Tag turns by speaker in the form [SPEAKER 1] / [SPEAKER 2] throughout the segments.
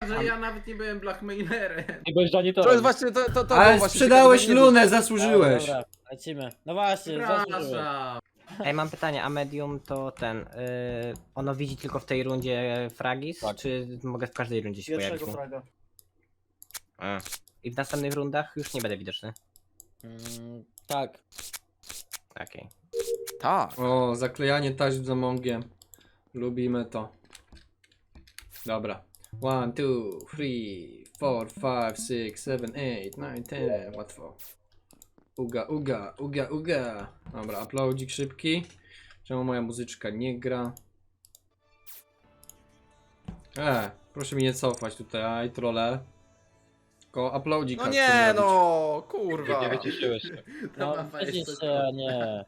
[SPEAKER 1] że ja nawet nie byłem blackmailerem.
[SPEAKER 2] Nie byłeś janitorem.
[SPEAKER 3] To jest właśnie to
[SPEAKER 4] Ale
[SPEAKER 3] było właśnie
[SPEAKER 4] sprzedałeś
[SPEAKER 3] ciekawe, nie
[SPEAKER 4] lunę, zasłużyłeś.
[SPEAKER 2] Dobra, lecimy. No właśnie, zasłużyłem.
[SPEAKER 1] Przepraszam.
[SPEAKER 5] Ej, mam pytanie, a medium to ono widzi tylko w tej rundzie fragis,
[SPEAKER 2] Tak.
[SPEAKER 5] czy mogę w każdej rundzie się pojawić?
[SPEAKER 6] Pierwszego fraga.
[SPEAKER 5] I w następnych rundach już nie będę widoczny.
[SPEAKER 2] Tak.
[SPEAKER 5] Okej.
[SPEAKER 3] Tak.
[SPEAKER 4] O, zaklejanie taśm za mągiem. Lubimy to. Dobra. 1, 2, 3, 4, 5, 6, 7, 8, 9, 10. Łatwo. Uga, uga, uga, uga. Dobra, uploadzik szybki. Czemu moja muzyczka nie gra? Proszę mi nie cofać tutaj, aj trolle. Tylko uploadzik.
[SPEAKER 3] No nie no, kurwa.
[SPEAKER 2] Nie wyciszyłeś się. No,
[SPEAKER 1] mapa jest
[SPEAKER 2] widzisz
[SPEAKER 1] tylko-
[SPEAKER 2] się, a nie.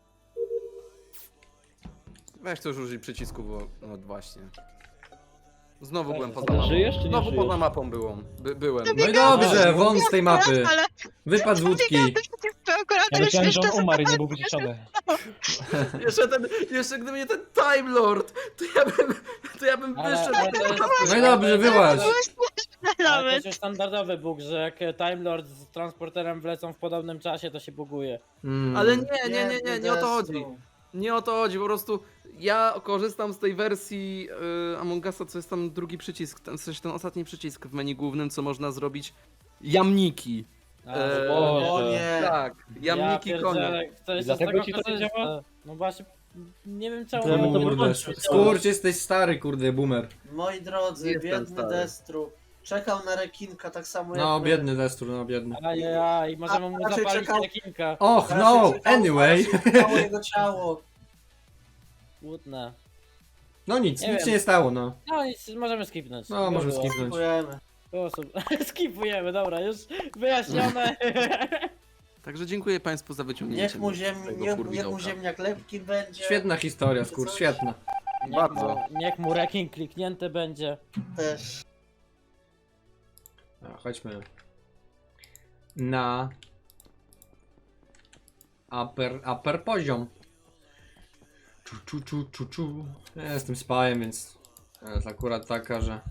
[SPEAKER 3] Weź to już użyj przycisku, bo no właśnie. Znowu byłem
[SPEAKER 2] Ty
[SPEAKER 3] poza mapą.
[SPEAKER 2] żyjesz, czy nie
[SPEAKER 3] Znowu
[SPEAKER 2] żyjesz?
[SPEAKER 3] poza mapą byłem.
[SPEAKER 4] No i dobrze, won z tej mapy.
[SPEAKER 7] Ale
[SPEAKER 4] Wypadł z łódki.
[SPEAKER 7] akurat
[SPEAKER 2] Ja myślałem, że on umarł i nie był wyciszony.
[SPEAKER 3] Jeszcze gdyby nie ten Time Lord, to ja bym
[SPEAKER 2] Ale
[SPEAKER 3] wyszedł.
[SPEAKER 2] to jest...
[SPEAKER 4] No i dobrze, wyłaź.
[SPEAKER 2] Ale to
[SPEAKER 7] nawet.
[SPEAKER 2] jest standardowy bug, że jak Time Lord z transporterem wlecą w podobnym czasie, to się buguje.
[SPEAKER 3] Ale nie o to chodzi.
[SPEAKER 6] Destru.
[SPEAKER 3] Nie o to chodzi, po prostu ja korzystam z tej wersji Among Usa, co jest tam drugi przycisk, w sensie ten ostatni przycisk w menu głównym, co można zrobić. Jamniki.
[SPEAKER 2] A,
[SPEAKER 6] O
[SPEAKER 2] Boże.
[SPEAKER 6] nie.
[SPEAKER 3] Tak, jamniki konia.
[SPEAKER 2] pierdzielę, chcesz
[SPEAKER 4] I
[SPEAKER 2] z
[SPEAKER 4] dlatego
[SPEAKER 2] tego
[SPEAKER 4] ci to nie
[SPEAKER 2] korzystać?
[SPEAKER 4] działa?
[SPEAKER 2] No właśnie, nie wiem czemu
[SPEAKER 4] Kurde,
[SPEAKER 2] mamy to wyłączyć.
[SPEAKER 4] skurcz, jesteś stary, kurde, boomer.
[SPEAKER 6] Moi drodzy,
[SPEAKER 3] Jestem
[SPEAKER 6] biedny
[SPEAKER 3] stary.
[SPEAKER 6] Destru. Czekał na rekinka tak samo jak
[SPEAKER 4] No,
[SPEAKER 6] my.
[SPEAKER 4] biedny Destur, no biedny.
[SPEAKER 2] Ajajaj, możemy mu
[SPEAKER 6] raczej
[SPEAKER 2] zapalić
[SPEAKER 6] czekał-
[SPEAKER 2] rekinka.
[SPEAKER 4] Och,
[SPEAKER 6] Raczej
[SPEAKER 4] no,
[SPEAKER 6] czekał,
[SPEAKER 4] anyway.
[SPEAKER 6] aż czekało jego ciało.
[SPEAKER 2] Łudne.
[SPEAKER 4] No nic,
[SPEAKER 2] Nie
[SPEAKER 4] nic
[SPEAKER 2] wiem.
[SPEAKER 4] się nie stało, no.
[SPEAKER 2] No nic, możemy skipnąć.
[SPEAKER 4] No, możemy
[SPEAKER 2] Było.
[SPEAKER 4] skipnąć.
[SPEAKER 6] Dziękujemy.
[SPEAKER 2] Było super. Skipujemy, dobra, już wyjaśnione.
[SPEAKER 3] Także dziękuję Państwu za wyciągnięcie.
[SPEAKER 6] Niech mu,
[SPEAKER 3] mnie z tego
[SPEAKER 6] niech mu
[SPEAKER 3] kurwidołka.
[SPEAKER 6] ziemniak lepki będzie.
[SPEAKER 4] Świetna historia, skurcz, świetna.
[SPEAKER 3] Bardzo.
[SPEAKER 2] Niech mu reking kliknięty będzie.
[SPEAKER 6] Też.
[SPEAKER 4] No, chodźmy. Na upper poziom. Czu. Ja jestem spajem, więc jest akurat taka, że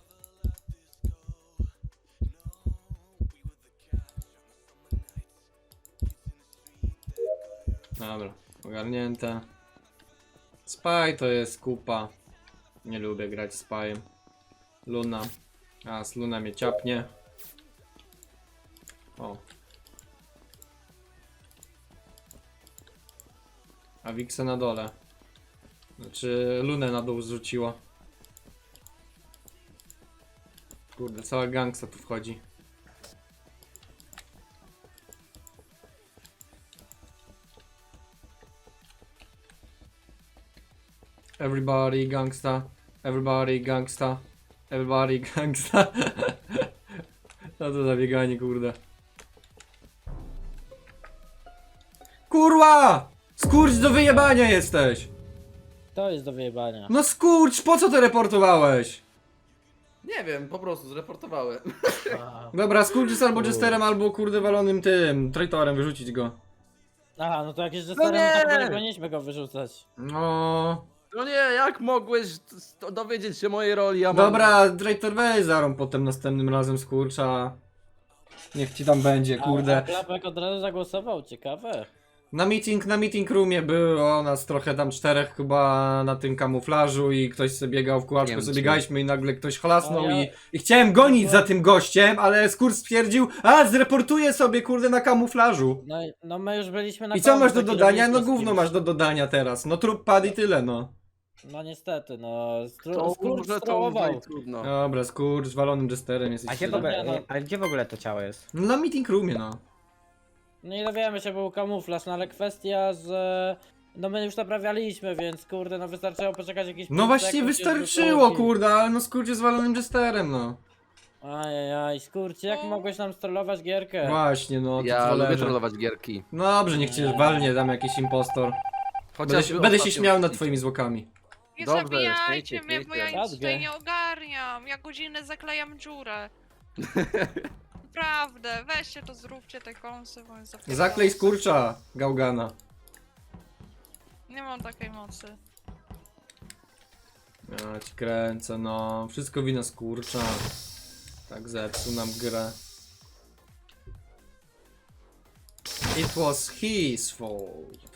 [SPEAKER 4] dobra, ogarnięte. Spy to jest kupa. Nie lubię grać spajem. Luna. A, z Luna mnie ciapnie. O. A Wiksa na dole. Znaczy Lunę na dół zrzuciło. Kurde, cała gangsta tu wchodzi. Everybody gangsta. Everybody gangsta. Everybody gangsta. No to za bieganie, kurde. Kurwa! Skurcz, do wyjebania jesteś!
[SPEAKER 2] To jest do wyjebania.
[SPEAKER 4] No skurcz, po co to reportowałeś?
[SPEAKER 3] Nie wiem, po prostu zreportowałem.
[SPEAKER 4] Dobra, skurcz jest albo jesterem, albo kurde walonym tym, traitorem, wyrzucić go.
[SPEAKER 2] Aha, no to jak jest
[SPEAKER 3] No
[SPEAKER 2] jesterem,
[SPEAKER 3] nie!
[SPEAKER 2] to chyba nie powinniśmy go wyrzucać.
[SPEAKER 4] No...
[SPEAKER 3] No nie, jak mogłeś dowiedzieć się mojej roli? Ja
[SPEAKER 4] Dobra, traitor weź zarąb potem następnym razem skurcza. Niech ci tam będzie,
[SPEAKER 2] A
[SPEAKER 4] kurde.
[SPEAKER 2] Klapek od razu zagłosował, ciekawe.
[SPEAKER 4] Na meeting roomie było nas trochę tam czterech chyba na tym kamuflażu i ktoś sobie biegał w kółeczku,
[SPEAKER 3] Wiem,
[SPEAKER 4] sobie
[SPEAKER 3] czy-
[SPEAKER 4] biegaliśmy i nagle ktoś chlasnął
[SPEAKER 2] A ja-
[SPEAKER 4] i chciałem gonić za tym gościem, ale skurcz stwierdził, a zreportuję sobie kurde na kamuflażu.
[SPEAKER 2] No my już byliśmy na
[SPEAKER 4] I co
[SPEAKER 2] końcu,
[SPEAKER 4] masz do
[SPEAKER 2] taki
[SPEAKER 4] dodania? No
[SPEAKER 2] robiliśmy z
[SPEAKER 4] gówno
[SPEAKER 2] kimś.
[SPEAKER 4] masz do dodania teraz, no trup padł i tyle no.
[SPEAKER 2] No niestety, no.
[SPEAKER 3] To
[SPEAKER 2] Skurcz
[SPEAKER 3] może to
[SPEAKER 2] strołował.
[SPEAKER 3] już trudno.
[SPEAKER 4] Dobra, skurcz, walonym jesterem
[SPEAKER 5] A
[SPEAKER 4] jesteś.
[SPEAKER 5] gdzie w
[SPEAKER 2] No,
[SPEAKER 5] ogóle, ale gdzie w ogóle to ciało jest?
[SPEAKER 4] No na meeting roomie no.
[SPEAKER 2] No i dowiemy się, był kamuflaż, no ale kwestia, że... No my już naprawialiśmy, więc kurde, no wystarczyło poczekać jakieś
[SPEAKER 4] No
[SPEAKER 2] 5
[SPEAKER 4] właśnie
[SPEAKER 2] sekund,
[SPEAKER 4] wystarczyło
[SPEAKER 2] już by
[SPEAKER 4] kurde, ale no skurcz jest walonym jesterem no.
[SPEAKER 2] Ajajaj, skurcz, jak mogłeś nam strollować gierkę?
[SPEAKER 4] Właśnie no, ty
[SPEAKER 3] Ja lubię
[SPEAKER 4] trollerze.
[SPEAKER 3] trollować gierki.
[SPEAKER 4] No dobrze, niech cię walnie tam jakiś impostor.
[SPEAKER 3] Chociażby
[SPEAKER 4] Będę się
[SPEAKER 3] ostatnio-
[SPEAKER 4] śmiał nad twoimi zwłokami.
[SPEAKER 8] Nie
[SPEAKER 3] Dobrze,
[SPEAKER 8] zabijajcie
[SPEAKER 3] śmiejcie,
[SPEAKER 8] mnie, bo ja
[SPEAKER 3] śmiejcie.
[SPEAKER 8] nic tutaj
[SPEAKER 2] Radgę.
[SPEAKER 8] nie ogarniam. Ja godzinę zaklejam dziurę. Naprawdę, weźcie to, zróbcie te kąsy, bo jest zapierdolone.
[SPEAKER 4] Zaklej skurcza, gałgana.
[SPEAKER 8] Nie mam takiej mocy.
[SPEAKER 4] Ja ci kręcę, no. Wszystko wina skurcza. Tak zepsuł nam grę. It was his fault.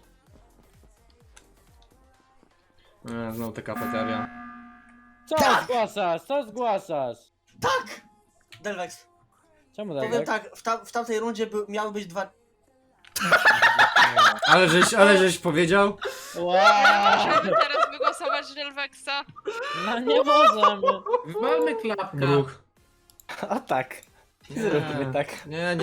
[SPEAKER 4] Znowu ta kafeteria.
[SPEAKER 2] Co zgłaszasz? Co zgłaszasz?
[SPEAKER 6] Tak! Delvex,
[SPEAKER 2] Czemu
[SPEAKER 6] powiem
[SPEAKER 2] tak?
[SPEAKER 6] tak, w tamtej rundzie miały być dwa...
[SPEAKER 4] Ale żeś powiedział?
[SPEAKER 2] Wow!
[SPEAKER 8] Możemy teraz wygłosować Delvexa.
[SPEAKER 2] No nie możemy.
[SPEAKER 1] Wywalmy klapka.
[SPEAKER 4] Bruch.
[SPEAKER 5] O tak. Zróbmy tak.
[SPEAKER 4] Nie.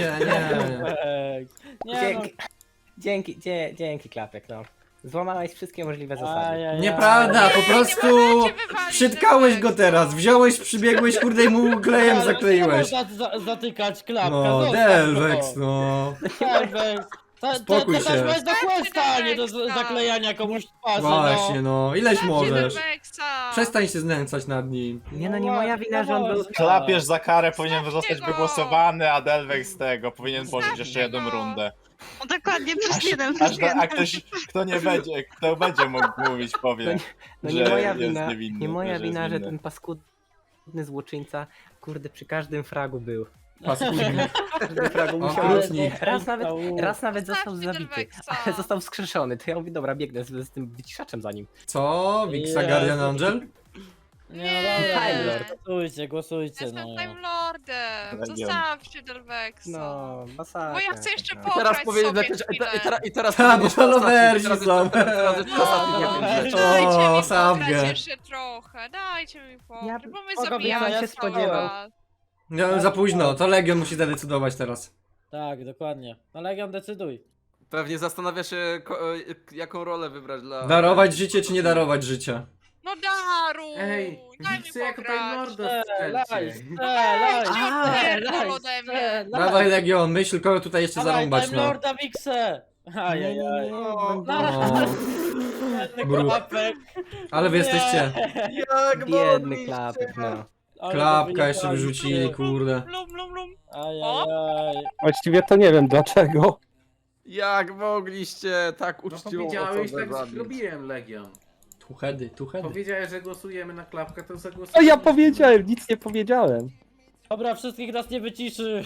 [SPEAKER 2] Nie no.
[SPEAKER 5] Dzięki Klapek, no. Złamałeś wszystkie możliwe zasady.
[SPEAKER 2] Ajajaj.
[SPEAKER 4] Nieprawda, po prostu
[SPEAKER 8] możecie wywalić
[SPEAKER 4] przytkałeś go
[SPEAKER 8] Delvexa.
[SPEAKER 4] teraz. Wziąłeś, przybiegłeś, kurde i mu klejem
[SPEAKER 2] Ale
[SPEAKER 4] zakleiłeś.
[SPEAKER 2] nie można zatykać klapka.
[SPEAKER 4] No,
[SPEAKER 2] zostaw
[SPEAKER 4] Delvex,
[SPEAKER 2] go.
[SPEAKER 4] no.
[SPEAKER 2] Delvex.
[SPEAKER 4] Spokój
[SPEAKER 2] to
[SPEAKER 4] się.
[SPEAKER 2] też do questa, a nie do
[SPEAKER 8] Delvexa.
[SPEAKER 2] zaklejania komuś twarzy,
[SPEAKER 4] Właśnie, no. Ileś
[SPEAKER 8] Dajcie
[SPEAKER 4] możesz.
[SPEAKER 8] Delvexa.
[SPEAKER 4] Przestań się znęcać nad nim.
[SPEAKER 5] Nie no, nie moja wina, że on był...
[SPEAKER 7] Klapierz za karę powinien
[SPEAKER 8] Zostawcie
[SPEAKER 7] zostać
[SPEAKER 8] go!
[SPEAKER 7] wygłosowany, a Delvex z tego powinien pożyć jeszcze
[SPEAKER 8] Zostawcie
[SPEAKER 7] jedną
[SPEAKER 8] go!
[SPEAKER 7] rundę.
[SPEAKER 9] No dokładnie, plus
[SPEAKER 7] Aż,
[SPEAKER 9] jeden,
[SPEAKER 7] aż
[SPEAKER 9] plus
[SPEAKER 7] do, a
[SPEAKER 9] jeden.
[SPEAKER 7] ktoś, kto będzie mógł mówić, powie,
[SPEAKER 5] No
[SPEAKER 7] że
[SPEAKER 5] nie moja
[SPEAKER 7] jest
[SPEAKER 5] wina,
[SPEAKER 7] niewinny,
[SPEAKER 5] nie moja
[SPEAKER 7] że jest
[SPEAKER 5] wina, że
[SPEAKER 7] winny.
[SPEAKER 5] ten paskudny złoczyńca, kurde, przy każdym fragu był.
[SPEAKER 4] Paskudny.
[SPEAKER 5] Każdy fragu musiał...
[SPEAKER 4] Okrutnik.
[SPEAKER 5] Raz nawet został
[SPEAKER 8] Zostawcie
[SPEAKER 5] zabity,
[SPEAKER 8] Delvexa.
[SPEAKER 5] ale został wskrzeszony. To ja mówię, dobra, biegnę z tym wyciszaczem za nim.
[SPEAKER 4] Co? Wixa Guardian Angel?
[SPEAKER 2] Nie, no dobra,
[SPEAKER 5] Time Lord.
[SPEAKER 2] głosujcie,
[SPEAKER 8] Jestem
[SPEAKER 2] no.
[SPEAKER 8] Time Lordem. Zostawcie Delvexa.
[SPEAKER 5] No, masakra.
[SPEAKER 8] Bo ja chcę jeszcze
[SPEAKER 5] no.
[SPEAKER 8] pograć
[SPEAKER 3] Teraz powiedzieć,
[SPEAKER 8] sobie chwilę.
[SPEAKER 3] i teraz
[SPEAKER 4] Ha,
[SPEAKER 3] powiedzieć
[SPEAKER 4] bo
[SPEAKER 3] ostatni,
[SPEAKER 4] lowersi
[SPEAKER 3] teraz
[SPEAKER 4] są.
[SPEAKER 3] jest- teraz jest
[SPEAKER 8] No,
[SPEAKER 3] ostatni,
[SPEAKER 2] Dobra.
[SPEAKER 3] nie wiem,
[SPEAKER 8] dajcie mi pograć
[SPEAKER 4] Sabgę.
[SPEAKER 8] jeszcze trochę, dajcie mi pograć, bo my
[SPEAKER 2] spoko,
[SPEAKER 8] zabijamy
[SPEAKER 2] ja
[SPEAKER 8] się
[SPEAKER 2] się
[SPEAKER 5] spodziewał.
[SPEAKER 4] No, za późno, to Legion musi zadecydować teraz.
[SPEAKER 2] Tak, dokładnie. No Legion, decyduj.
[SPEAKER 3] Pewnie zastanawia się, jaką rolę wybrać dla...
[SPEAKER 4] Darować życie czy nie darować życia?
[SPEAKER 8] No daruj!
[SPEAKER 1] Ej,
[SPEAKER 8] daj mi
[SPEAKER 1] chcę jako
[SPEAKER 8] pograć.
[SPEAKER 1] Time Lorda
[SPEAKER 2] Strzelaj,
[SPEAKER 1] strzelcie.
[SPEAKER 2] strzelaj,
[SPEAKER 8] Pierdol ode mnie.
[SPEAKER 2] strzelaj.
[SPEAKER 4] Dawaj Legion, myśl kogo tutaj jeszcze
[SPEAKER 2] Dawaj,
[SPEAKER 4] zarąbać,
[SPEAKER 2] Time
[SPEAKER 4] no.
[SPEAKER 2] Lorda Wixe. Ajajaj.
[SPEAKER 4] No.
[SPEAKER 2] Biedny klapek.
[SPEAKER 4] Ale wy
[SPEAKER 2] Nie.
[SPEAKER 4] jesteście.
[SPEAKER 3] Jak
[SPEAKER 5] Biedny Klapek, no.
[SPEAKER 2] Ale
[SPEAKER 4] Klapka
[SPEAKER 2] to
[SPEAKER 4] jeszcze wyrzucili, kurde.
[SPEAKER 8] Lum, lum, lum.
[SPEAKER 2] Ajajaj.
[SPEAKER 10] Właściwie to nie wiem dlaczego.
[SPEAKER 3] Jak mogliście tak
[SPEAKER 1] No
[SPEAKER 3] uczciwą
[SPEAKER 1] powiedziałeś,
[SPEAKER 3] osobę
[SPEAKER 1] tak
[SPEAKER 3] zabić?
[SPEAKER 1] zrobiłem, Legion.
[SPEAKER 4] Tu heady.
[SPEAKER 1] Powiedziałeś, że głosujemy na klapkę, to
[SPEAKER 10] No
[SPEAKER 1] zagłosujemy.
[SPEAKER 10] ja powiedziałem, nic nie powiedziałem.
[SPEAKER 2] Dobra, wszystkich nas nie wyciszy.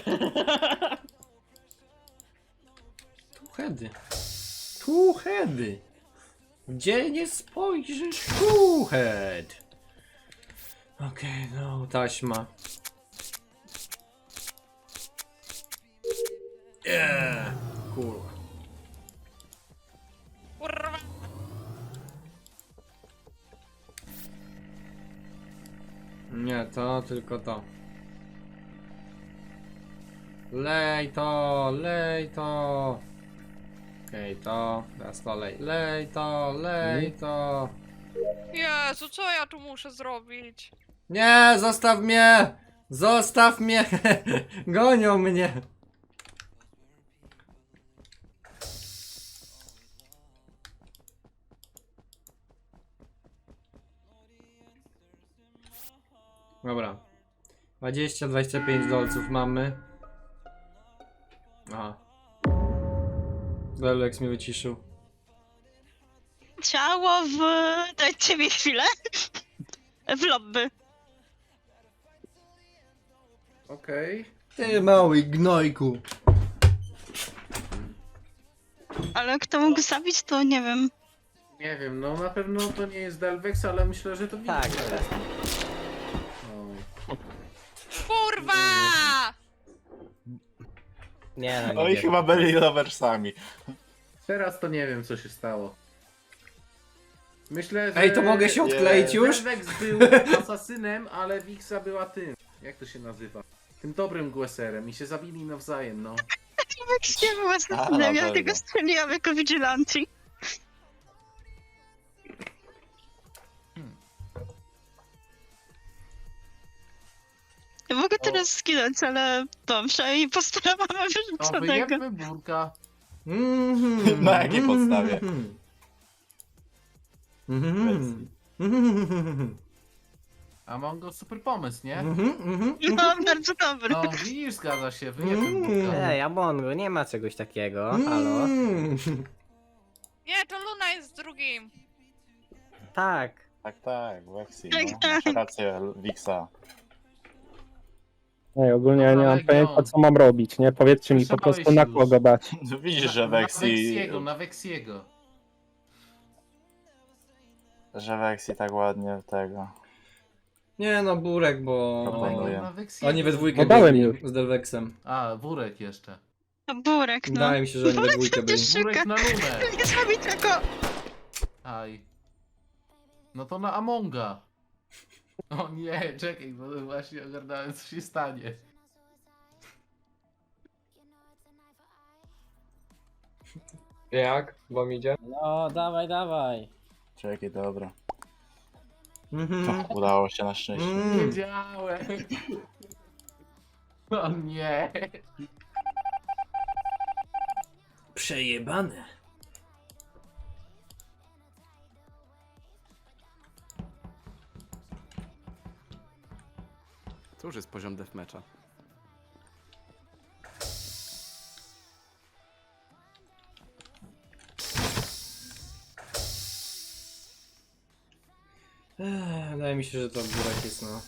[SPEAKER 4] Tu heady. Gdzie nie spojrzysz, tu head. Okej, no, taśma. Kurwa.
[SPEAKER 8] Kurwa.
[SPEAKER 4] Nie, to tylko to. Lej to, lej to. Okej, to. Teraz to lej. Lej to, lej to.
[SPEAKER 8] Jezu, co ja tu muszę zrobić?
[SPEAKER 4] Nie, zostaw mnie! Zostaw mnie! Gonią mnie! Dobra. 20-25 dolców mamy. Aha. Delvex mnie wyciszył.
[SPEAKER 9] Ciało w... Dajcie mi chwilę. W lobby.
[SPEAKER 1] Okej.
[SPEAKER 4] Ty mały gnojku.
[SPEAKER 9] Ale kto mógł zabić, to nie wiem.
[SPEAKER 1] Nie wiem, no na pewno to nie jest Delvex, ale myślę, że to
[SPEAKER 5] Tak,
[SPEAKER 1] Wixa.
[SPEAKER 5] tak.
[SPEAKER 1] No.
[SPEAKER 8] Kurwa!
[SPEAKER 5] Nie no,
[SPEAKER 7] No
[SPEAKER 5] nie
[SPEAKER 7] i
[SPEAKER 5] wiem.
[SPEAKER 7] chyba byli loversami.
[SPEAKER 1] Teraz to nie wiem, co się stało. Myślę, że...
[SPEAKER 4] Ej, to mogę się odkleić już?
[SPEAKER 1] Delvex był asasynem, ale Wixa była tym. Jak to się nazywa? Tym dobrym głoserem i się zabili nawzajem, no.
[SPEAKER 9] Jak nie była
[SPEAKER 7] na
[SPEAKER 9] zasadem, ja
[SPEAKER 7] pewno.
[SPEAKER 9] tego strzeliłam jako vigilanti. Ja mogę teraz skinąć, ale dobrze, i postaramy
[SPEAKER 1] No
[SPEAKER 9] wyrzuconego.
[SPEAKER 1] wyjebmy burka.
[SPEAKER 7] Na jakiej podstawie?
[SPEAKER 1] A mam go super pomysł, nie?
[SPEAKER 9] No, bardzo dobry.
[SPEAKER 1] No widzisz, zgadza się, wyjebmy burka.
[SPEAKER 5] Ej, Amongo, nie ma czegoś takiego, halo?
[SPEAKER 8] Nie, to Luna jest drugim.
[SPEAKER 5] Tak.
[SPEAKER 7] Tak, Vexi,
[SPEAKER 9] Tak,
[SPEAKER 7] no.
[SPEAKER 9] tak.
[SPEAKER 7] Masz rację, Wixa.
[SPEAKER 10] Nie, ogólnie ja nie mam
[SPEAKER 1] Legion.
[SPEAKER 10] pojęcia co mam robić, nie? Powiedzcie mi po
[SPEAKER 1] Słyszałeś
[SPEAKER 10] prostu na
[SPEAKER 1] już.
[SPEAKER 10] kogo dać.
[SPEAKER 7] No widzisz, że
[SPEAKER 1] Na
[SPEAKER 7] Vexi...
[SPEAKER 1] Vexiego, na Vexiego.
[SPEAKER 7] Że Vexi tak ładnie tego...
[SPEAKER 4] Nie no, Burek, bo...
[SPEAKER 7] Proponuję.
[SPEAKER 1] Na Vexiego.
[SPEAKER 4] Oni we dwójkę
[SPEAKER 10] No dałem
[SPEAKER 4] byli
[SPEAKER 10] już.
[SPEAKER 4] z Delvexem.
[SPEAKER 1] A, Wurek jeszcze.
[SPEAKER 9] To Burek, no.
[SPEAKER 4] Wydaje mi się, że oni we
[SPEAKER 9] Burek
[SPEAKER 4] dwójkę byli.
[SPEAKER 9] przecież
[SPEAKER 1] Wurek
[SPEAKER 9] szuka.
[SPEAKER 1] na Lunę.
[SPEAKER 9] Nie zrobi tego.
[SPEAKER 1] Aj. No to na Amonga. O nie, czekaj, bo właśnie ogarnąłem co się stanie.
[SPEAKER 10] Jak? Bo mi idzie?
[SPEAKER 2] No, dawaj, dawaj.
[SPEAKER 7] Czekaj, dobra.
[SPEAKER 4] Mhm.
[SPEAKER 7] Udało się na szczęście.
[SPEAKER 1] Wiedziałem. O nie.
[SPEAKER 4] Przejebane.
[SPEAKER 3] To już jest poziom deathmatcha.
[SPEAKER 4] Wydaje mi się, że to Burek jest, no.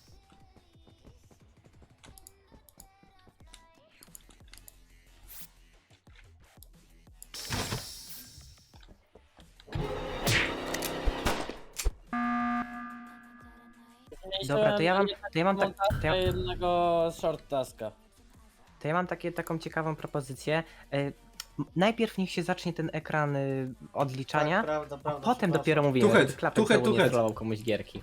[SPEAKER 5] Dobra, to ja mam,
[SPEAKER 2] jednego short taska.
[SPEAKER 5] to ja mam taką ciekawą propozycję. Najpierw niech się zacznie ten ekran odliczania,
[SPEAKER 6] Tak, prawda,
[SPEAKER 5] a
[SPEAKER 6] prawda,
[SPEAKER 5] potem
[SPEAKER 6] przepraszam.
[SPEAKER 5] dopiero mówię,
[SPEAKER 4] Tuchet,
[SPEAKER 5] żeby klapek
[SPEAKER 4] tuchet,
[SPEAKER 5] znowu nie
[SPEAKER 4] tuchet.
[SPEAKER 5] trollował komuś gierki.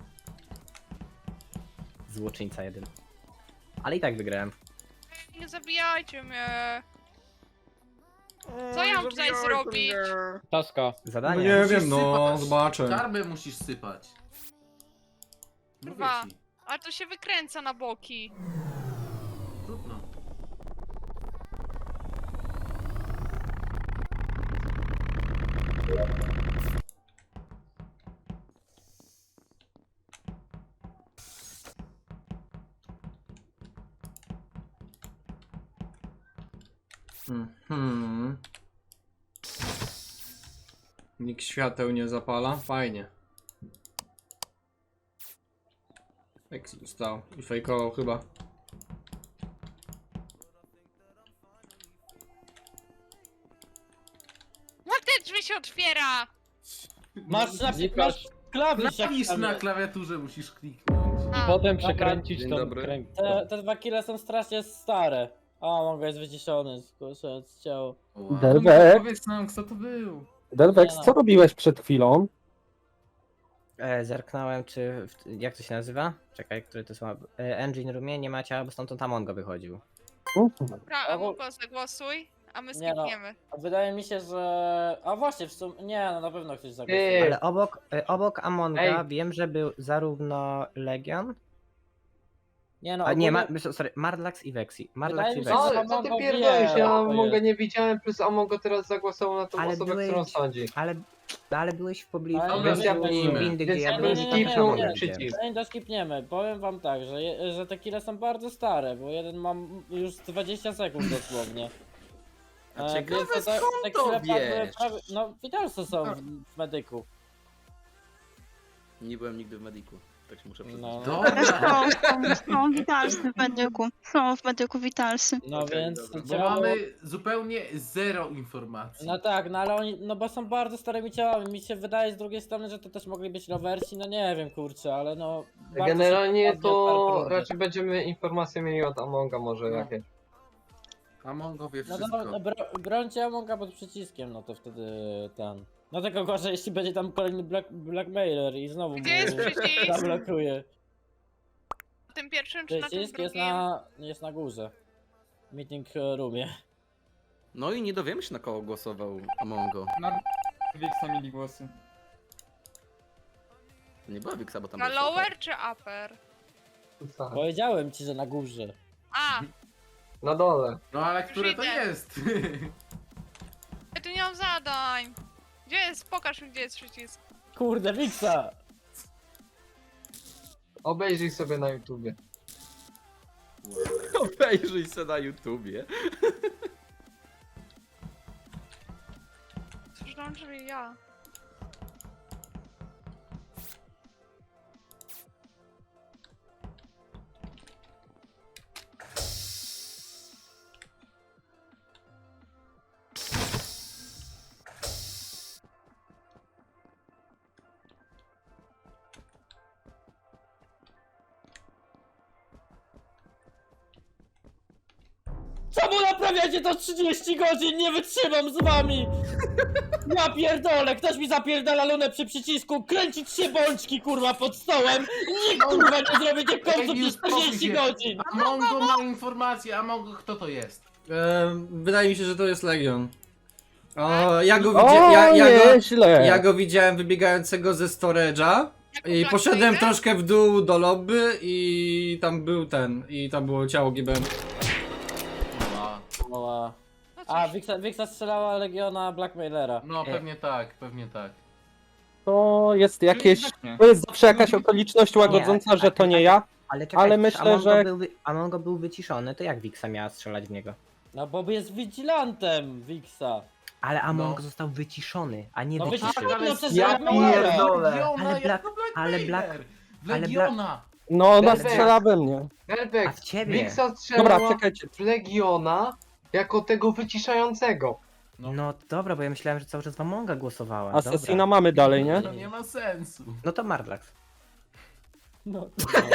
[SPEAKER 5] Złoczyńca jeden. Ale i tak wygrałem.
[SPEAKER 8] Nie zabijajcie mnie. Co ja mam tutaj zrobić?
[SPEAKER 2] Taska.
[SPEAKER 4] No
[SPEAKER 5] Zadanie.
[SPEAKER 4] nie
[SPEAKER 1] Musisz
[SPEAKER 4] wiem, no,
[SPEAKER 1] sypać.
[SPEAKER 4] zobaczę.
[SPEAKER 1] Karmę musisz sypać. Mówię
[SPEAKER 8] Kurwa.
[SPEAKER 1] ci.
[SPEAKER 8] Ale to się wykręca na boki.
[SPEAKER 1] Trudno.
[SPEAKER 4] Mhm. Nikt świateł nie zapala? Fajnie. Exi dostał i fejkował chyba.
[SPEAKER 8] Jak te drzwi się otwiera?
[SPEAKER 2] Masz klawisz jak
[SPEAKER 1] Klawisz
[SPEAKER 2] tam
[SPEAKER 1] na
[SPEAKER 2] jest.
[SPEAKER 1] klawiaturze musisz kliknąć.
[SPEAKER 8] A,
[SPEAKER 2] Potem Dobra. przekręcić
[SPEAKER 3] Dzień
[SPEAKER 2] tą
[SPEAKER 3] dobry.
[SPEAKER 2] kręg. Te dwa kile są strasznie stare. O, mogę jest wyciszony, skurczę z ciało.
[SPEAKER 1] Wow.
[SPEAKER 10] Delvex,
[SPEAKER 1] Powiedz nam kto to był.
[SPEAKER 10] Delvex,
[SPEAKER 2] Nie no.
[SPEAKER 10] co robiłeś przed chwilą?
[SPEAKER 5] Zerknąłem, czy. Jak to się nazywa? Czekaj, który to są. Engine Roomie nie ma ciała, bo stamtąd Amongo wychodził.
[SPEAKER 8] Dobra, a Mugo zagłosuj, a my
[SPEAKER 2] Nie no.
[SPEAKER 8] skipniemy.
[SPEAKER 2] A wydaje mi się, że... A właśnie, w sumie... Nie, no na pewno ktoś zagłosuje.
[SPEAKER 5] Ale obok Amonga wiem, że był zarówno Legion.
[SPEAKER 2] Nie no,
[SPEAKER 5] A nie,
[SPEAKER 2] ogólnie-
[SPEAKER 5] sorry, Marlax i Vexi. Marlax
[SPEAKER 2] Wydaje
[SPEAKER 5] i
[SPEAKER 2] mi się,
[SPEAKER 5] Vexi.
[SPEAKER 2] że Amongo wie, kto jest.
[SPEAKER 10] nie widziałem, plus Amongo teraz zagłosował na tą
[SPEAKER 5] Ale byłeś-
[SPEAKER 10] sądzi.
[SPEAKER 5] Ale byłeś w pobliżu
[SPEAKER 2] Ale
[SPEAKER 1] Dobra,
[SPEAKER 2] skipnijmy.
[SPEAKER 5] windy, gdzie
[SPEAKER 10] Więc
[SPEAKER 5] ja
[SPEAKER 10] ja
[SPEAKER 5] byłem
[SPEAKER 10] bym
[SPEAKER 5] i
[SPEAKER 10] skipnął
[SPEAKER 5] tam Amonga
[SPEAKER 10] przycisk.
[SPEAKER 5] widziałem.
[SPEAKER 2] Zanim to skipniemy, powiem wam tak, że te kile są bardzo stare, bo jeden mam już 20 sekund dosłownie.
[SPEAKER 3] A ciekawe,
[SPEAKER 2] więc te
[SPEAKER 3] skąd to
[SPEAKER 2] kile padły
[SPEAKER 3] wiesz?
[SPEAKER 2] no widać co są w medyku.
[SPEAKER 3] Nie byłem nigdy w mediku, tak się muszę przyznać.
[SPEAKER 2] No,
[SPEAKER 8] Ale
[SPEAKER 1] Dobra,
[SPEAKER 9] Są witalsy w medyku. Są w medyku witalsy.
[SPEAKER 2] no
[SPEAKER 3] Okej,
[SPEAKER 2] więc
[SPEAKER 3] dobra.
[SPEAKER 1] bo
[SPEAKER 2] ciało...
[SPEAKER 1] mamy zupełnie zero informacji.
[SPEAKER 2] No tak, no ale oni, no bo są bardzo starymi ciałami, mi się wydaje z drugiej strony, że to też mogli być rowersi, no nie wiem kurczę, ale no... bardzo
[SPEAKER 10] Generalnie
[SPEAKER 2] szybko
[SPEAKER 10] to
[SPEAKER 2] padnie
[SPEAKER 10] raczej będziemy informacje mieli od Amonga może
[SPEAKER 2] No.
[SPEAKER 10] jakieś.
[SPEAKER 1] Amongo wie
[SPEAKER 2] No
[SPEAKER 1] wszystko.
[SPEAKER 2] to brońcie Amonga pod przyciskiem, no to wtedy ten... No tylko gorzej, jeśli będzie tam kolejny blackmailer i znowu
[SPEAKER 8] Gdzie jest przycisk?
[SPEAKER 2] zablokuje.
[SPEAKER 8] Na tym pierwszym czy na tym
[SPEAKER 2] Przycisk
[SPEAKER 8] drugim?
[SPEAKER 2] jest na górze. Meeting roomie.
[SPEAKER 3] No i nie dowiemy się na kogo głosował Amongo.
[SPEAKER 10] Na Wiksa mieli głosy.
[SPEAKER 3] To nie była Wiksa, bo tam
[SPEAKER 8] Na
[SPEAKER 3] był Shopper.
[SPEAKER 8] lower czy upper?
[SPEAKER 2] Powiedziałem ci, że na górze.
[SPEAKER 8] A,
[SPEAKER 10] Na dole.
[SPEAKER 1] No ale które to
[SPEAKER 8] idę.
[SPEAKER 1] jest?
[SPEAKER 8] ja tu nie mam zadań. Gdzie jest? Pokaż mi, gdzie jest przycisk.
[SPEAKER 2] Kurde, Wiksa!
[SPEAKER 10] Obejrzyj sobie na YouTubie.
[SPEAKER 3] Obejrzyj se na YouTubie.
[SPEAKER 8] Otworzyłam drzwi, ja.
[SPEAKER 2] Czemu naprawiacie to 30 godzin? Nie wytrzymam z wami! Ja pierdolę, ktoś mi zapierdala lunę przy przycisku, kręcić się bączki kurwa pod stołem! Nikt kurwa nie zrobi tych końców
[SPEAKER 1] Ej,
[SPEAKER 2] niż
[SPEAKER 1] uspokój
[SPEAKER 2] 40
[SPEAKER 1] się.
[SPEAKER 2] godzin!
[SPEAKER 1] Amongo ma informację, Amongo kto to jest?
[SPEAKER 4] Wydaje mi się, że to jest Legion. O, ja go widziałem wybiegającego ze storage'a i
[SPEAKER 8] Black
[SPEAKER 4] poszedłem
[SPEAKER 8] Tiger?
[SPEAKER 4] troszkę w dół do lobby i tam było ciało GBN.
[SPEAKER 1] A,
[SPEAKER 2] Oła.
[SPEAKER 8] No
[SPEAKER 2] A,
[SPEAKER 8] cóż,
[SPEAKER 2] Wixa strzelała Legiona Blackmailera.
[SPEAKER 1] no pewnie tak, pewnie tak.
[SPEAKER 11] To jest jakieś. To jest zawsze jakaś okoliczność łagodząca, że to nie ja.
[SPEAKER 5] Ale czekaj,
[SPEAKER 11] Ale
[SPEAKER 5] przecież
[SPEAKER 11] myślę, że-
[SPEAKER 5] Amongo był wyciszony, to jak Wixa miała strzelać w niego?
[SPEAKER 2] No bo jest vigilantem Wixa.
[SPEAKER 5] Ale Amongo
[SPEAKER 1] No.
[SPEAKER 5] został wyciszony, a nie
[SPEAKER 2] No
[SPEAKER 5] wyciszył.
[SPEAKER 2] wyciszony, no przecież
[SPEAKER 10] Ja
[SPEAKER 2] Blackmailera.
[SPEAKER 10] pierdolę.
[SPEAKER 1] Legiona,
[SPEAKER 5] Ale
[SPEAKER 1] jak
[SPEAKER 5] Black-
[SPEAKER 1] to
[SPEAKER 5] ale
[SPEAKER 1] Blackmailer?
[SPEAKER 5] Black- ale
[SPEAKER 1] Legiona!
[SPEAKER 11] No, ona
[SPEAKER 10] Delvex.
[SPEAKER 11] strzela we mnie.
[SPEAKER 5] A
[SPEAKER 10] Delvex,
[SPEAKER 5] w ciebie.
[SPEAKER 10] Wixa
[SPEAKER 11] Dobra,
[SPEAKER 10] strzelała
[SPEAKER 11] czekajcie.
[SPEAKER 10] w Legiona jako tego wyciszającego.
[SPEAKER 5] No dobra, bo ja myślałem, że cały czas w Amonga głosowała.
[SPEAKER 11] Asesina
[SPEAKER 5] Dobra.
[SPEAKER 11] mamy dalej, nie?
[SPEAKER 1] To nie ma sensu.
[SPEAKER 5] No to Mardlax.
[SPEAKER 2] No.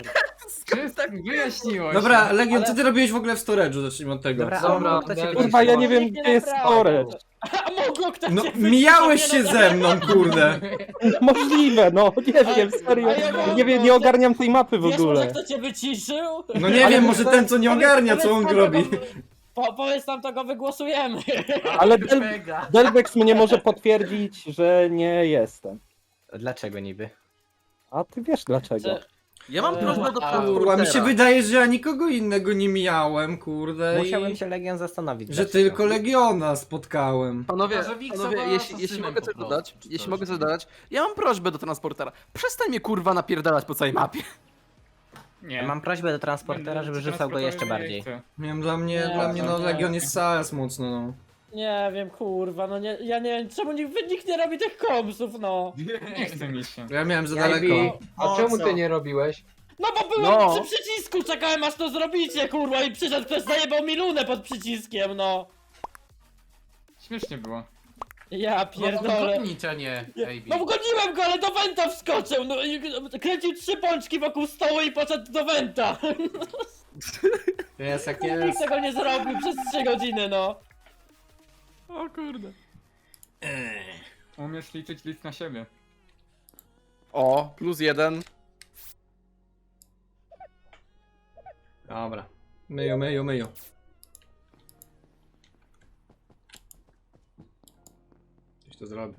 [SPEAKER 10] Tak wyjaśniło
[SPEAKER 4] Dobra, Legion,
[SPEAKER 2] Ale-
[SPEAKER 4] co ty robiłeś w ogóle w storage'u? Zacznijmy od tego.
[SPEAKER 5] Dobra,
[SPEAKER 10] Dobra,
[SPEAKER 5] Amongo, kto cię
[SPEAKER 10] Delvex.
[SPEAKER 11] Kurwa, ja nie wiem,
[SPEAKER 2] Nikt
[SPEAKER 11] gdzie jest
[SPEAKER 2] naprawdę.
[SPEAKER 11] storage.
[SPEAKER 2] A mogło ktoś
[SPEAKER 4] No,
[SPEAKER 2] cię
[SPEAKER 4] mijałeś
[SPEAKER 2] wyciszyć,
[SPEAKER 4] się
[SPEAKER 2] no
[SPEAKER 4] ze mną, kurde.
[SPEAKER 11] Możliwe, no, nie wiem, serio.
[SPEAKER 2] a ja mam-
[SPEAKER 11] Nie wiem, nie ogarniam tej mapy w
[SPEAKER 2] Wiesz może
[SPEAKER 11] ogóle.
[SPEAKER 2] kto cię wyciszył?
[SPEAKER 4] No nie wiem, może ten co nie ogarnia, co on robi.
[SPEAKER 2] Powiedz nam, to go wygłosujemy.
[SPEAKER 11] Ale
[SPEAKER 1] Mega.
[SPEAKER 11] Delvex mnie może potwierdzić, że nie jestem.
[SPEAKER 5] Dlaczego niby?
[SPEAKER 11] A ty wiesz dlaczego.
[SPEAKER 3] Ja mam prośbę do
[SPEAKER 4] Kurwa, mi się wydaje, że ja nikogo innego nie mijałem, kurde.
[SPEAKER 5] Musiałem
[SPEAKER 4] i...
[SPEAKER 5] się Legion zastanowić.
[SPEAKER 4] Że
[SPEAKER 5] dlaczego.
[SPEAKER 4] tylko Legiona spotkałem.
[SPEAKER 3] Panowie,
[SPEAKER 1] Może Wixa
[SPEAKER 3] panowie
[SPEAKER 1] była
[SPEAKER 3] jeśli
[SPEAKER 1] asasynem
[SPEAKER 3] mogę
[SPEAKER 1] po
[SPEAKER 3] coś
[SPEAKER 1] prostu,
[SPEAKER 3] dodać,
[SPEAKER 1] czy
[SPEAKER 3] jeśli
[SPEAKER 1] coś.
[SPEAKER 3] mogę coś dodać, ja mam prośbę do transportera. Przestań mnie kurwa napierdalać po całej mapie.
[SPEAKER 10] Nie.
[SPEAKER 5] Mam prośbę do transportera, żeby rzucał go jeszcze bardziej.
[SPEAKER 4] Miałem dla mnie
[SPEAKER 2] Nie,
[SPEAKER 4] no
[SPEAKER 2] nie.
[SPEAKER 4] Legion jest sas mocno, no.
[SPEAKER 2] Nie wiem, kurwa, no nie, ja nie wiem, czemu nikt nie robi tych komsów, no.
[SPEAKER 10] Nie chce mi się.
[SPEAKER 4] Ja miałem za
[SPEAKER 5] Ja
[SPEAKER 4] daleko.
[SPEAKER 5] i-
[SPEAKER 10] A czemu ty nie robiłeś?
[SPEAKER 2] No bo byłem
[SPEAKER 3] No.
[SPEAKER 2] przy przycisku, czekałem aż to zrobicie, kurwa, i przyszedł ktoś, zajebał mi lunę pod przyciskiem, no.
[SPEAKER 10] Śmiesznie było.
[SPEAKER 2] Ja pierdolę.
[SPEAKER 1] Gonić, a nie AB.
[SPEAKER 2] No wgoniłem go, ale do Wenta wskoczył, no i kręcił 3 pączki wokół stołu i poszedł do Wenta.
[SPEAKER 4] Jest jak
[SPEAKER 2] Nikt
[SPEAKER 4] jest.
[SPEAKER 2] tego nie zrobił przez 3 godziny, no.
[SPEAKER 3] O kurde.
[SPEAKER 10] Umiesz liczyć list na siebie.
[SPEAKER 3] O, +1.
[SPEAKER 4] Dobra. Myju. Coś to zrobię.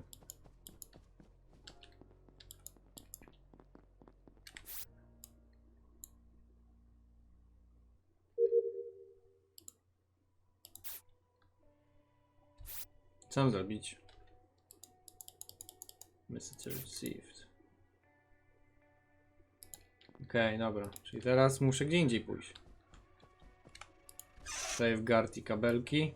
[SPEAKER 4] Co mam zrobić? Message received. Okej, dobra. Czyli teraz muszę gdzie indziej pójść. Safeguard i kabelki.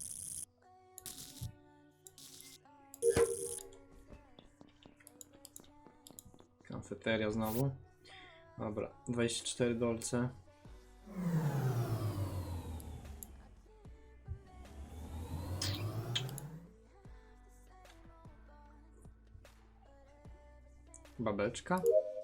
[SPEAKER 4] Kafeteria znowu. Dobra, 24 dolce. Babeczka.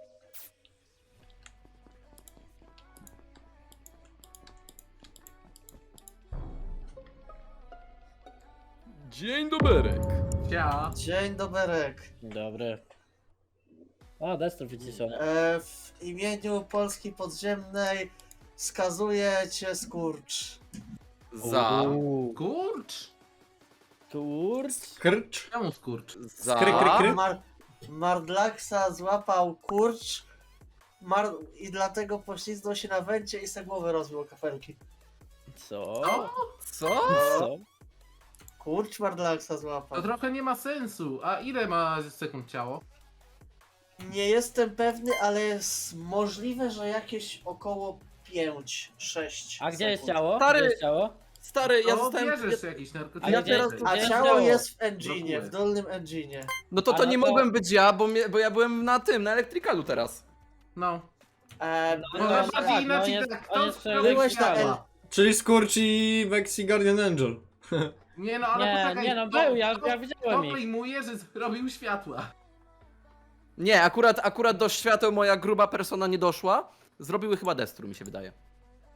[SPEAKER 3] Dzień doberek.
[SPEAKER 1] Cia.
[SPEAKER 6] Dzień doberek.
[SPEAKER 2] Dobry. O, Destro wyciszony.
[SPEAKER 6] W imieniu Polski Podziemnej skazuję cię skurcz.
[SPEAKER 3] Za.
[SPEAKER 1] Kurcz?
[SPEAKER 2] Kurcz.
[SPEAKER 4] Krcz.
[SPEAKER 1] Czemu skurcz?
[SPEAKER 3] Za.
[SPEAKER 4] Kry.
[SPEAKER 6] Mardlaxa złapał kurcz i dlatego poślizgnął się na węcie i se głowę rozbił o kafelki.
[SPEAKER 2] Co?
[SPEAKER 3] Co?
[SPEAKER 2] Co?
[SPEAKER 6] Kurcz Mardlaxa
[SPEAKER 1] To
[SPEAKER 6] złapał.
[SPEAKER 1] trochę nie ma sensu. A ile ma sekund ciało?
[SPEAKER 6] Nie jestem pewny, ale jest możliwe, że jakieś około 5-6
[SPEAKER 2] A gdzie jest
[SPEAKER 6] sekund.
[SPEAKER 2] ciało?
[SPEAKER 3] Stary,
[SPEAKER 2] Gdzie jest ciało?
[SPEAKER 3] Stary, ja
[SPEAKER 1] To
[SPEAKER 3] zostałem...
[SPEAKER 1] bierzesz jakieś narkotyki.
[SPEAKER 2] Ale
[SPEAKER 3] Ja teraz...
[SPEAKER 2] gdzie-
[SPEAKER 6] A
[SPEAKER 2] gdzie
[SPEAKER 6] ciało
[SPEAKER 2] ciało?
[SPEAKER 6] jest w engine'ie,
[SPEAKER 1] Blokuje.
[SPEAKER 6] w dolnym engine'ie.
[SPEAKER 3] No to
[SPEAKER 2] A no
[SPEAKER 3] nie
[SPEAKER 2] to-
[SPEAKER 3] mogłem być ja, bo ja byłem na tym, na elektrykalu teraz.
[SPEAKER 1] No.
[SPEAKER 2] No,
[SPEAKER 1] Może
[SPEAKER 2] no,
[SPEAKER 1] bardziej
[SPEAKER 2] tak,
[SPEAKER 1] inaczej
[SPEAKER 2] no,
[SPEAKER 1] tak.
[SPEAKER 2] on
[SPEAKER 1] To
[SPEAKER 2] jest
[SPEAKER 6] Byłeś na
[SPEAKER 1] ciała.
[SPEAKER 4] Czyli Skurcz i Vexi Guardian Angel.
[SPEAKER 1] Nie no, ale
[SPEAKER 2] Nie,
[SPEAKER 1] poczekaj.
[SPEAKER 2] nie no,
[SPEAKER 1] to-
[SPEAKER 2] był, ja
[SPEAKER 1] to
[SPEAKER 2] widziałem ich.
[SPEAKER 1] pojmuję, że zrobił światła.
[SPEAKER 3] Nie, akurat do świateł moja gruba persona nie doszła. Zrobiły chyba Destru, mi się wydaje.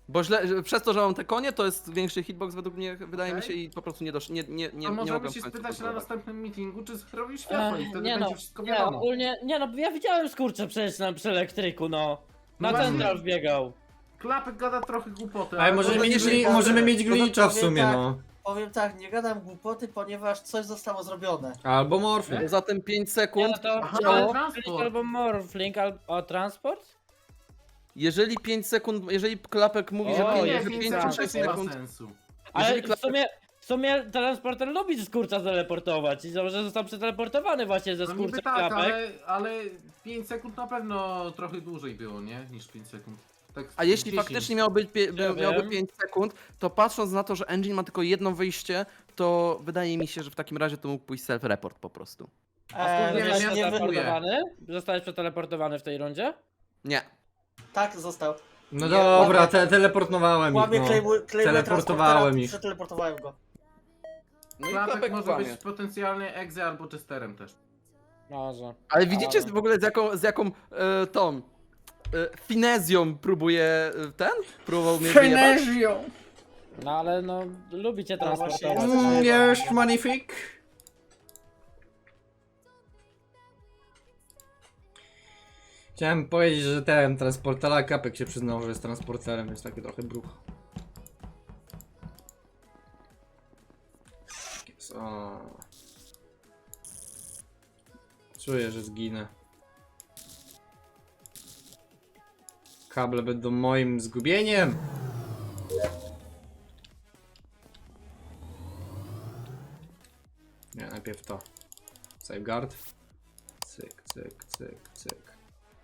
[SPEAKER 3] Bo przez to, że mam te konie, to jest większy hitbox według mnie, wydaje mi się,
[SPEAKER 1] Okej.
[SPEAKER 3] i po prostu nie
[SPEAKER 1] To
[SPEAKER 3] mogłem
[SPEAKER 1] możemy się
[SPEAKER 3] w końcu
[SPEAKER 1] spytać na
[SPEAKER 3] kontrolować.
[SPEAKER 1] następnym meetingu, czy zrobił światło i wtedy
[SPEAKER 2] Nie
[SPEAKER 1] będzie
[SPEAKER 2] no,
[SPEAKER 1] wszystko
[SPEAKER 2] nie,
[SPEAKER 1] wiadomo.
[SPEAKER 2] ogólnie, nie no, ja widziałem skurcze przecież przy elektryku, no.
[SPEAKER 1] No
[SPEAKER 2] Na
[SPEAKER 1] właśnie.
[SPEAKER 2] central wbiegał.
[SPEAKER 1] Klapek gada trochę głupoty,
[SPEAKER 4] Ale możemy mieć glitcha w sumie, no.
[SPEAKER 6] Powiem tak, nie gadam głupoty, ponieważ coś zostało zrobione.
[SPEAKER 4] Albo morfling.
[SPEAKER 3] Poza tym 5 sekund,
[SPEAKER 2] Ja to
[SPEAKER 1] Aha,
[SPEAKER 2] działo,
[SPEAKER 1] ale transport.
[SPEAKER 2] albo morphling, albo transport?
[SPEAKER 3] jeżeli 5 sekund, jeżeli klapek mówi, że
[SPEAKER 2] O,
[SPEAKER 1] Nie,
[SPEAKER 2] jest
[SPEAKER 1] 5
[SPEAKER 3] 5
[SPEAKER 1] sekund
[SPEAKER 3] czy 6
[SPEAKER 1] też nie ma
[SPEAKER 3] sekund,
[SPEAKER 1] sensu.
[SPEAKER 2] Ale
[SPEAKER 3] Jeżeli
[SPEAKER 2] w sumie transporter lubi skurcza teleportować i że został przeteleportowany właśnie ze
[SPEAKER 1] No niby
[SPEAKER 2] skurczem
[SPEAKER 1] tak,
[SPEAKER 2] klapek.
[SPEAKER 1] ale 5 sekund na pewno trochę dłużej było, nie? Niż 5 sekund. Tak
[SPEAKER 3] a jeśli
[SPEAKER 1] 10.
[SPEAKER 3] faktycznie miałoby
[SPEAKER 2] wiem.
[SPEAKER 3] 5 sekund, to patrząc na to, że engine ma tylko jedno wyjście, to wydaje mi się, że w takim razie to mógł pójść self-report po prostu.
[SPEAKER 1] nie wiem,
[SPEAKER 2] Zostałeś
[SPEAKER 1] ja
[SPEAKER 2] przeteleportowany? Zostałeś przeteleportowany w tej rundzie?
[SPEAKER 3] Nie.
[SPEAKER 6] Tak, został.
[SPEAKER 4] No dobra, teleportowałem ich,
[SPEAKER 6] Łamie
[SPEAKER 4] no.
[SPEAKER 6] claimuje
[SPEAKER 4] Teleportowałem
[SPEAKER 6] transportera,
[SPEAKER 4] ich.
[SPEAKER 6] przeteleportowałem go.
[SPEAKER 3] No i
[SPEAKER 1] Klapek
[SPEAKER 3] klapek
[SPEAKER 1] może
[SPEAKER 3] kłamie.
[SPEAKER 1] być potencjalnie egze albo chesterem też.
[SPEAKER 2] Może.
[SPEAKER 3] Ale widzicie
[SPEAKER 2] Ale-
[SPEAKER 3] w ogóle z jaką tą finezją próbuje próbował mnie wyjebać?
[SPEAKER 2] No ale no, lubicie
[SPEAKER 6] No właśnie,
[SPEAKER 2] transportować.
[SPEAKER 4] Jest magnifique. Chciałem powiedzieć, że ten transporter, ale Kapek się przyznał, że jest transporterem, jest taki trochę bruch. O. Czuję, że zginę. Kable będą moim zgubieniem. Nie, najpierw to. Safeguard. Cyk, cyk, cyk, cyk.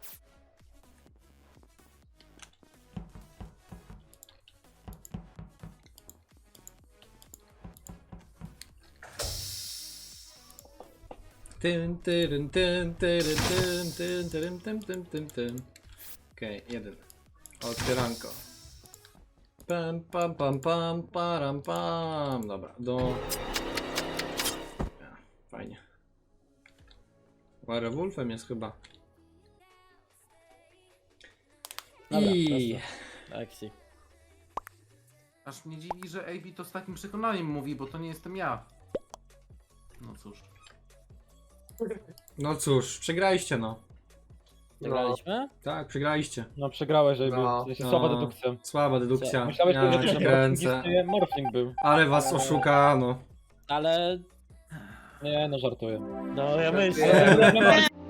[SPEAKER 4] Tym, tyrym, tym, tyrym, tym, tyrym, tym. Okej, jeden. Otwieranko. Pam, pam, pam, pam, param, pam. Dobra, Ja, fajnie. Werewolfem jest chyba.
[SPEAKER 2] Dobra,
[SPEAKER 4] I...
[SPEAKER 2] Akcji.
[SPEAKER 1] Aż mnie dziwi, że AB to z takim przekonaniem mówi, bo to nie jestem ja. No cóż.
[SPEAKER 4] No cóż, przegraliście no.
[SPEAKER 2] Wygraliśmy?
[SPEAKER 4] Tak, przegraliście.
[SPEAKER 11] No przegrałeś, żeby.
[SPEAKER 10] No.
[SPEAKER 11] Słaba dedukcja.
[SPEAKER 4] Słaba dedukcja.
[SPEAKER 11] Myślałeś,
[SPEAKER 4] Ja
[SPEAKER 11] że
[SPEAKER 4] cię kręcę.
[SPEAKER 11] Morphling był.
[SPEAKER 4] Ale was oszukano.
[SPEAKER 2] Ale...
[SPEAKER 11] Nie, no żartuję.
[SPEAKER 2] No ja myślę.